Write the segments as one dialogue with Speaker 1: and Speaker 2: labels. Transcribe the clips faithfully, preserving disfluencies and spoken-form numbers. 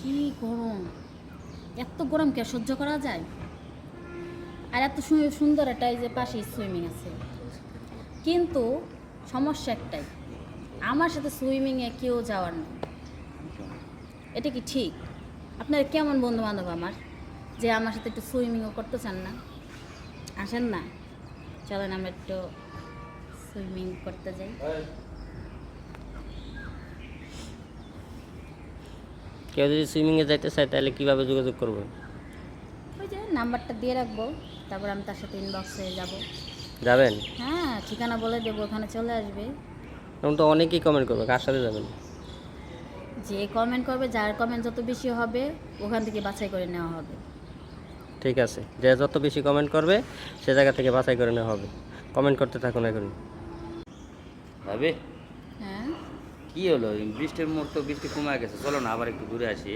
Speaker 1: কি গরম, এত গরম কে সহ্য করা যায়? আর এত সু- সুন্দর একটা এই যে পাশে সুইমিং আছে, কিন্তু সমস্যা একটাই, আমার সাথে সুইমিংয়ে কেউ যাওয়ার নেই। এটা কি ঠিক? আপনার কেমন বন্ধু বান্ধব আমার, যে আমার সাথে একটু সুইমিংও করতে চান না? আসেন না, চলেন আমরা একটু সুইমিং করতে যাই।
Speaker 2: কেউ যদি সুইমিংয়ে যাইতে চায় তাহলে কীভাবে যোগাযোগ করবে?
Speaker 1: ওই যে নাম্বারটা দিয়ে রাখবো, তারপর আমি তার সাথে ইনবক্সে যাব।
Speaker 2: যাবেন?
Speaker 1: হ্যাঁ, ঠিকানা বলে দেবো, ওখানে চলে আসবে।
Speaker 2: এখন তো অনেকেই কমেন্ট করবে, কার সাথে যাবেন?
Speaker 1: যে কমেন্ট করবে, যার কমেন্ট যত বেশি হবে ওখান থেকে বাছাই করে নেওয়া হবে।
Speaker 2: ঠিক আছে, যে যত বেশি কমেন্ট করবে সে জায়গা থেকে বাছাই করে নেওয়া হবে। কমেন্ট করতে থাকুন এখন।
Speaker 3: ভাবে
Speaker 1: হ্যাঁ,
Speaker 3: কি হলো, এই বৃষ্টির মুখ তো বৃষ্টি কমে গেছে, চলো না আবার একটু ঘুরে আসি।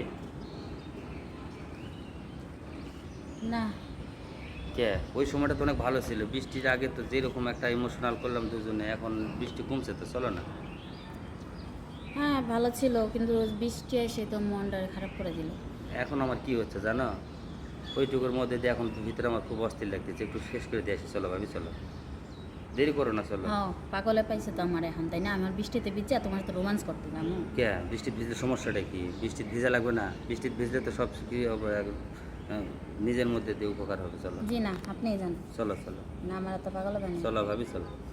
Speaker 1: না
Speaker 3: কে ওই সময়টা তো অনেক ভালো ছিল, বৃষ্টির আগে তো যেরকম একটা ইমোশনাল করলাম দুজনে, এখন বৃষ্টি কমছে তো চলো না।
Speaker 1: হ্যাঁ ভালো ছিল, কিন্তু বৃষ্টি এসে তো মনটা খারাপ করে দিল।
Speaker 3: এখন আমার কি হচ্ছে জানো, ওইটুকুর মধ্যে দিয়ে এখন ভিতরে আমার খুব অস্থির লাগতেছে, একটু শেষ করে দিয়ে আসি, চলো ভাবি চলো, দেরি করো না চলো।
Speaker 1: হ্যাঁ, পাগলে পাইছে তো আমার এখন, তাই না? আমার বৃষ্টিতে ভিজে তোমার তো রোমান্স করতে যাবো।
Speaker 3: কে বৃষ্টি ভিজলে সমস্যাটা কি? বৃষ্টি ভিজা লাগবে না? বৃষ্টি ভিজলে তো সব কি হবে, আহ, নিজের মধ্যে দিয়ে উপকার হবে, চলো
Speaker 1: জি না, আপনিই জান।
Speaker 3: চলো চলো
Speaker 1: না, আমার তো পাগলে বানিয়ে।
Speaker 3: চলো ভাবি চলো।